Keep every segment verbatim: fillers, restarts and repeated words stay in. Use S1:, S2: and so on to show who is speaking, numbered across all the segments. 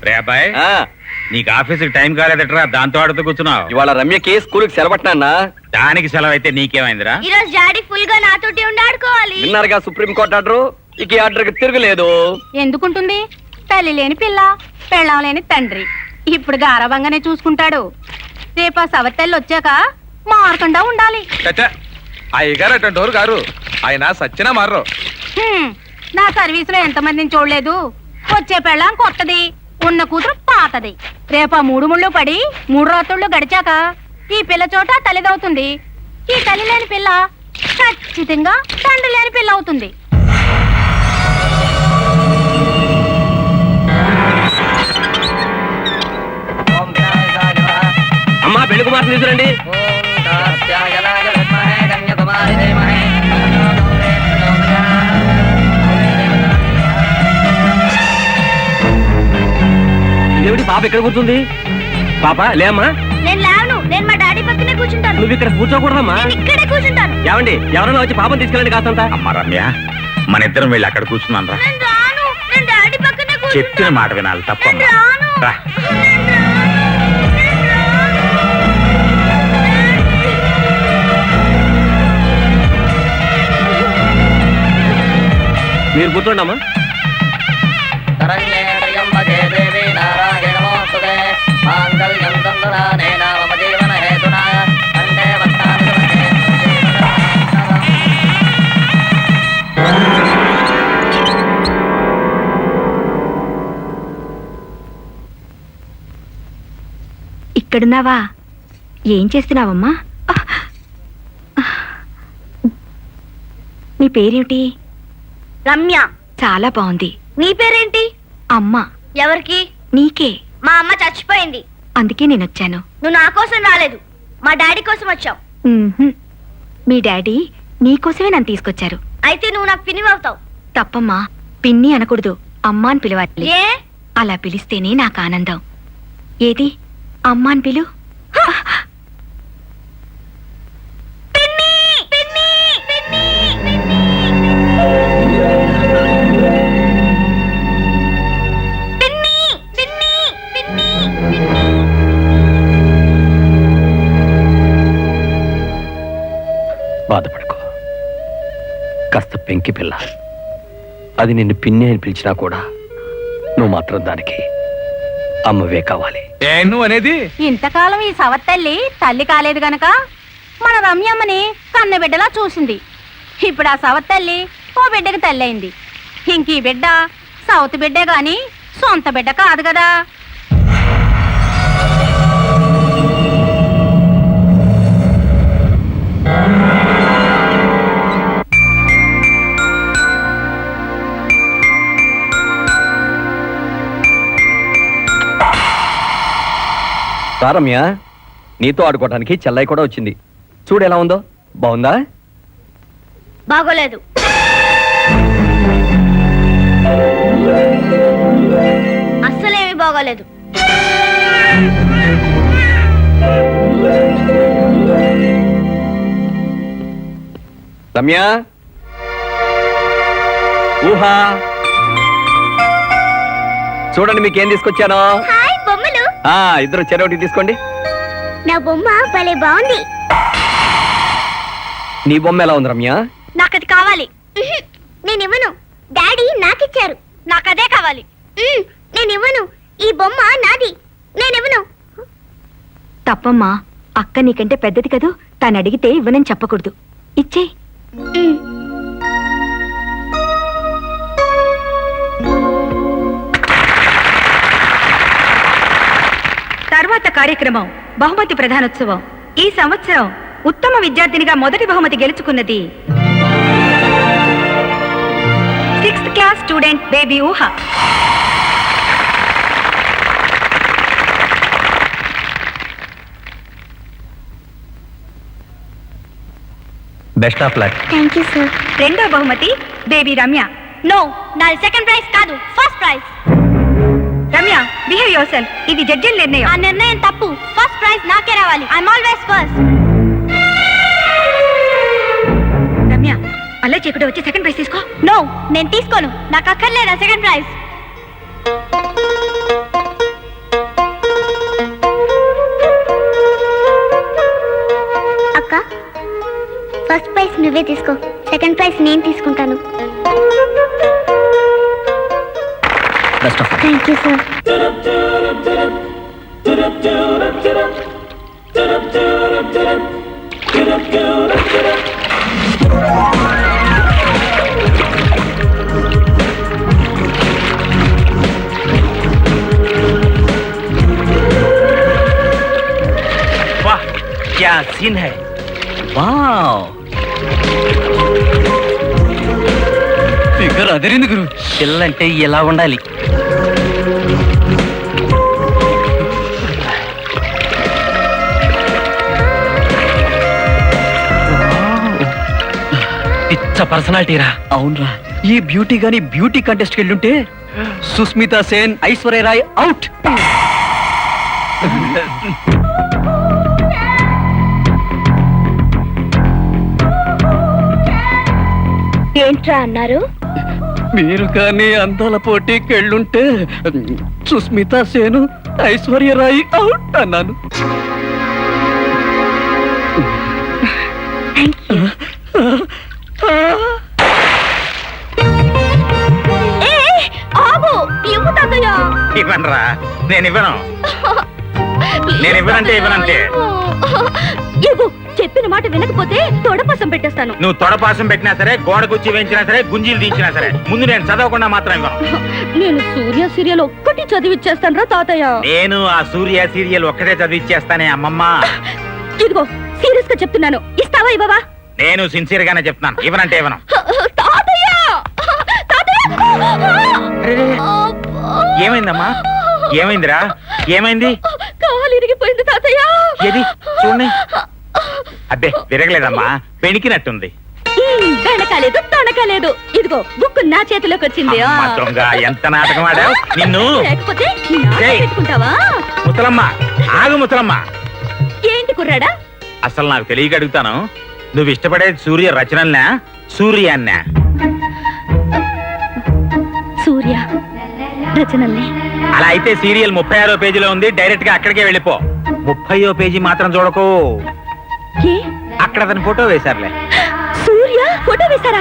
S1: రే అబ్బాయి, నీకు ఆఫీసుకి టైం కాలేదట్రా, దాంతో ఆడుతూ కూర్చున్నావు.
S2: ఇవాళ రమ్యకి స్కూల్కి సెలవట్నా?
S1: దానికి సెలవు అయితే నీకేమైందిరా?
S3: ఈ రోజు డాడీ ఫుల్ గా నాతోటి ఉండి ఆడుకోవాలి.
S2: విన్నారుగా సుప్రీం కోర్టు ఆర్డర్. ఇక ఈ ఆర్డర్ కి తిరగలేదు.
S4: ఎందుకుంటుంది? తల్లి లేని పిల్ల, పెళ్ళం లేని తండ్రి. ఇప్పుడు గారవంగానే చూసుకుంటాడు. రేపు ఆ సవతల్లి వచ్చాక మారకుండా ఉండాలి.
S5: అయ్యగారు అటెండోరు గారు, ఆయన సచ్చినా మారరు.
S4: హ్మ్, నా సర్వీస్ లో ఎంతమందిని చూడలేదు. వచ్చే పెళ్ళం కొత్తది, ఉన్న కూతురు పాతది. రేపు ఆ మూడు ముళ్ళు పడి మూడు రాత్రుళ్ళు గడిచాక ఈ పిల్ల చోట తల్లిదవుతుంది. ఈ తల్లి లేని పిల్ల ఖచ్చితంగా తండ్రి లేని పిల్ల అవుతుంది.
S2: అమ్మా పెళ్లి కుమార్తె తీసుకురండి. దేవుడి పాప ఎక్కడ కూర్చుంది? పాప లేమ్మా.
S3: నేను లేవను, నేను మా డాడీ పక్కనే కూర్చుంటాను.
S2: నువ్వు ఇక్కడ కూర్చోకూడదమ్మా.
S3: ఇక్కడే కూర్చుంటాను.
S2: ఏమండి, ఎవరైనా వచ్చి పాపం తీసుకెళ్ళండి కాస్తంత.
S1: అమ్మ రమ్య, మన ఇద్దరం వెళ్ళి అక్కడ కూర్చున్నాను రా.
S3: నేను రాను, నేను డాడీ పక్కనే కూర్చుంటాను.
S1: చెప్పిన మాట వినాలి, తప్పమ్మా. రా.
S2: మీరు కూర్చోండమ్మా.
S4: ఇక్కడున్నావా? ఏం చేస్తున్నావమ్మా? నీ పేరేమిటి?
S3: రమ్య.
S4: చాలా బాగుంది.
S3: నీ పేరేంటి?
S4: అమ్మ.
S3: ఎవరికి?
S4: నీకే.
S3: మా అమ్మ చచ్చిపోయింది,
S4: అందుకే నేను వచ్చాను.
S3: నువ్వు నా కోసం రాలేదు, మా డాడీ కోసం వచ్చావు.
S4: ఉహుం. మీ డాడీ నీకోసమే నన్ను తీసుకొచ్చారు.
S3: అయితే నువ్వు నాకు పినివవుతావు.
S4: తప్పమ్మా, పిన్ని అనకూడదు, అమ్మ అని పిలవాలి.
S3: ఏ?
S4: అలా పిలిస్తేనే నాకు ఆనందం. ఏది అమ్మ అని పిలు.
S3: పిన్ని, పిన్ని, పిన్ని, పిన్ని. పిన్ని, పిన్ని, పిన్ని, పిన్ని.
S2: బాధపడుకో, కాస్త పెంకి పిల్ల. అది నిన్ను పిన్ని అని పిలిచినా కూడా నువ్వు మాత్రం దానికి అమ్మవే కావాలి.
S5: ఏ నువ్వు అనేది?
S4: ఇంతకాలం ఈ సవత్తల్లి తల్లి కాలేదు గనక మన రమ్యమ్మని కన్న బిడ్డలా చూసింది. ఇప్పుడు ఆ సవత్తల్లి ఓ బిడ్డకి తల్లి అయింది. ఇంక ఈ బిడ్డ సౌత్ బిడ్డే గాని సొంత బిడ్డ కాదు కదా.
S2: రమ్య, నీతో ఆడుకోవడానికి చెల్లై కూడా వచ్చింది. చూడు ఎలా ఉందో. బాగుందా?
S3: బాగోలేదు. అస్సలేమి బాగోలేదు.
S2: రమ్య, ఊహా, చూడండి మీకేం తీసుకొచ్చానో.
S3: హాయ్ బొమ్మలు.
S2: ఆ ఇద్దరు చెరొకటి తీసుకోండి.
S3: నా బొమ్మ భలే బాగుంది.
S2: నీ బొమ్మ ఎలా ఉంది రమ్య?
S3: నాకు అది కావాలి. నేను ఇవ్వను, డాడీ నాకిచ్చారు. నాకు అదే కావాలి. నేను ఇవ్వను, ఈ బొమ్మ నాది. నేను ఇవ్వను.
S4: తప్పమ్మా, అక్క నీకంటే పెద్దది కదూ, తను అడిగితే ఇవ్వనని చెప్పకూడదు. ఇచ్చే. తర్వాత కార్యక్రమం బహుమతి ప్రధానోత్సవం. ఈ సంవత్సరం ఉత్తమ విద్యార్థినిగా మొదటి బహుమతి గెలుచుకున్నది sixth class student baby Ooha.
S2: Best of luck.
S3: Thank you sir.
S4: రెండో బహుమతి బేబీ రమ్య.
S3: నో, నాది సెకండ్ ప్రైజ్ కాదు, first prize.
S4: Ramya, behave yourself. ఇది జడ్జిల నిర్ణయం.
S3: ఆ నిర్ణయం తప్పు. ఫస్ట్ ప్రైజ్ నాకే రావాలి. I'm always first.
S4: రమ్య, అలా చేయకుండా వచ్చి సెకండ్ ప్రైజ్ తీసుకో.
S3: నో, నేను తీసుకోను. నాకు అక్కర్లేదా సెకండ్ ప్రైజ్. నువ్వే తీసుకో, సెకండ్ ప్రైజ్ నేను తీసుకుంటాను.
S2: Best of
S3: thank you sir.
S1: वाह क्या सीन है.
S2: వావ్ ఫిగర్ అదిరింది గురు.
S1: పిల్లంటే ఎలా ఉండాలి. పిచ్చ పర్సనాలిటీ రా.
S2: అవునరా, ఈ బ్యూటీ గాని బ్యూటీ కంటెస్ట్ వెళ్ళుంటే సుస్మితా సేన్, ఐశ్వర్య రాయ్ అవుట్.
S3: ఏంట్రా అన్నారు?
S2: మీరు కానీ అందాల పోటీకి వెళ్ళుంటే సుస్మితా సేను, ఐశ్వర్య రాయ్ అవుట్ అన్నాను.
S1: ఇవ్వనరా, నేను ఇవ్వను. నేను ఇవ్వనంటే ఇవ్వనంటే.
S3: చెప్పిన మాట వినకపోతే తొడపసం పెట్టేస్తాను.
S1: నువ్వు తొడపాసం పెట్టినా సరే, గోడ కుర్చీ వేయించినా సరే, గుంజీలు తీయించినా సరే, ముందు నేను చదవకుండా మాత్రం ఇవ్వను.
S3: నేను సూర్య సీరియల్ ఒక్కటి చదివిచ్చేస్తాను రా తాతయ్య.
S1: నేను ఆ సూర్య సీరియల్ ఒక్కటే చదివిచ్చేస్తానే అమ్మమ్మ.
S3: ఇదిగో సీరియస్ గా చెప్తున్నాను, ఇస్తావా ఇవ్వవా?
S1: నేను సిన్సియర్ గానే చెప్తున్నాను, ఇవ్వనంటే ఇవ్వను.
S3: తాతయ్య! తాతయ్య!
S1: ఏమైందమ్మా? ఏమైందిరా? ఏమైంది?
S3: కాలు ఇరిగిపోయింది తాతయ్య.
S1: ఏది చూడండి. అబ్బే విరగలేదమ్మా, పెణికినట్టుంది.
S3: వెనకాలేదు తొనకాలేదు. ఇదిగో బుక్ నా చేతిలోకి వచ్చింది.
S1: అమ్మ దొంగ, ఎంత నాటకం ఆడావు నిన్ను.
S3: లేకపోతే నీ ఆట
S1: ఏయ్.
S3: పెట్టుకుంటావా?
S1: ముసలమ్మ ఆగు, ముసలమ్మ.
S3: ఏంటి కుర్రాడా?
S1: అసలు నాకు తెలియక అడుగుతాను, నువ్వు ఇష్టపడేది సూర్య రచనల్నా, సూర్యాన్నా?
S3: సూర్య రచనల్ని.
S1: అలా అయితే సీరియల్ ముప్పై ఆరో పేజీలో ఉంది, డైరెక్ట్ గా అక్కడికే వెళ్ళిపో. ముప్పయో పేజీ మాత్రం చూడకు,
S3: ఏ?
S1: అక్కడ అతని ఫోటో వేశారులే.
S3: సూర్య ఫోటో వేశారా?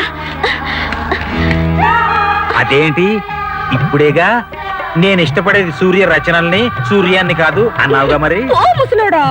S1: అదేంటి ఇప్పుడేగా నేను ఇష్టపడేది సూర్య రచనల్ని, సూర్యాన్ని కాదు అన్నావుగా మరి.
S3: ఓ ముసలోడా.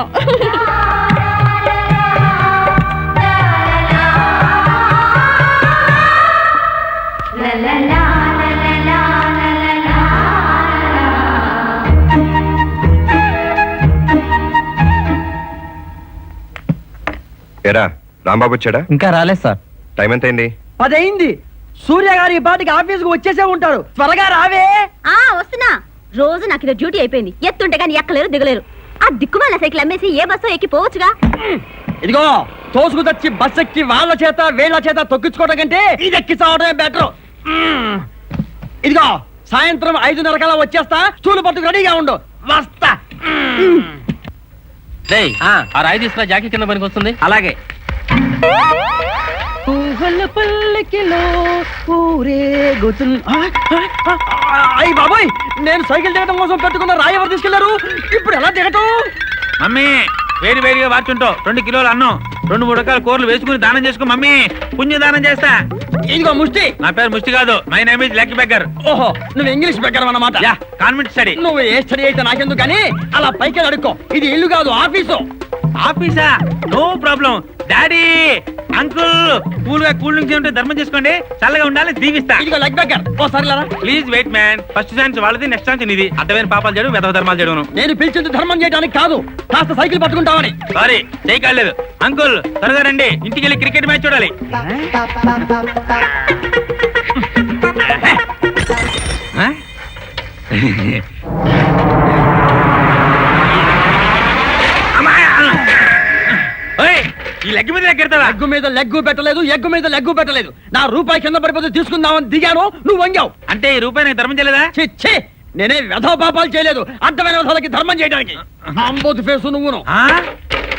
S6: ఏరా రాంబాబు వచ్చాడా?
S2: ఇంకా రాలేదు సార్.
S6: టైం ఎంత అయింది?
S7: పదైంది. సూర్య గారు ఈ పాటికి ఆఫీస్ కు వచ్చేసే ఉంటారు. త్వరగా రావే.
S3: ఆ వస్తున్నా. రోజు నాకు ఇది డ్యూటీ అయిపోయింది. ఎత్తుంటే కానీ ఎక్కలేరు దిగలేరు. ఆ దిక్కుమాల సైకిల్ అమ్మేసి ఏ బస్సు ఎక్కి పోవచ్చుగా.
S7: ఇదిగో తోసుకు తెచ్చి బస్ ఎక్కి వాళ్ళ చేత వీళ్ళ చేత తొక్కించుకోవడం కంటే ఇది ఎక్కి చావడమే బెటర్. ఇదిగో సాయంత్రం ఐదున్నర కల్లా వచ్చేస్తా. స్టూలు పట్టుకు రెడీగా ఉండు. వస్తా.
S2: ఆ రాయి తీసుకురా, జాకీ కింద పనికి వస్తుంది. అలాగే.
S7: అయ్యి బాబాయ్, నేను సైకిల్ దిగడం కోసం పెట్టుకున్న రాయి ఎవరు తీసుకెళ్లారు? ఇప్పుడు ఎలా దిగటం?
S1: మమ్మీ వేడి వేడిగా వార్చుంటావు, రెండు కిలోలు అన్నం, రెండు మూడు రకాల కూరలు వేసుకుని దానం చేసుకో మమ్మీ. పుణ్య దానం చేస్తా.
S7: ఇదిగో ముష్టి.
S1: నా పేరు ముష్టి కాదు, my name is lucky beggar.
S7: ఓహో, నువ్వు ఇంగ్లీష్ బెగ్గర్ అన్నమాట.
S1: Yeah, convent study.
S7: నువ్వు ఏ స్టడీ అయితే నాకెందుకు కానీ అలా పైకి అడుక్కో. ఇది ఇల్లు కాదు, ఆఫీసు.
S1: ఆఫీసా? No problem. Daddy, uncle, cool గా కూల్ డ్రింక్స్ ఉంటే ధర్మం చేసుకోండి, చల్లగా ఉండాలి, దీవిస్తా.
S7: ఇదిగో లెగ్ బెగ్గర్. ఓ సరేలా.
S1: Please wait man. First chance వాళ్ళది, నెక్స్ట్ ఛాన్స్ నీది. అర్థమైన పాపాలు చేయడం, వెధవ ధర్మాలు చేయడం.
S7: నేను పిలిచింది ధర్మం చేయడానికి కాదు, కాస్త సైకిల్ పట్టుకుంటావని.
S1: సారీ, చేయకాలేదు. అంకుల్ త్వరగా రండి, ఇంటికి వెళ్ళి క్రికెట్ మ్యాచ్ చూడాలి. ఆ? ఓయ్, ఈ లెగ్ మీద లెక్కెడతావా?
S7: లెగ్గు మీద లెగ్గు పెట్టలేదు, ఎగ్గు మీద లెగ్గు పెట్టలేదు. నా రూపాయి కింద పడిపోతే తీసుకుందామని దిగాను, నువ్వు వంగావు.
S1: అంటే ఈ రూపాయి నాకు ధర్మం చేయలేదా?
S7: ఛీ, ఛీ, నేనే వ్యధో పాపాలు చేయలేదు, అడ్డమైన వ్యధాలకి ధర్మం చేయడానికి. అంబోతు ఫేసు నువ్వును.
S1: ఆ?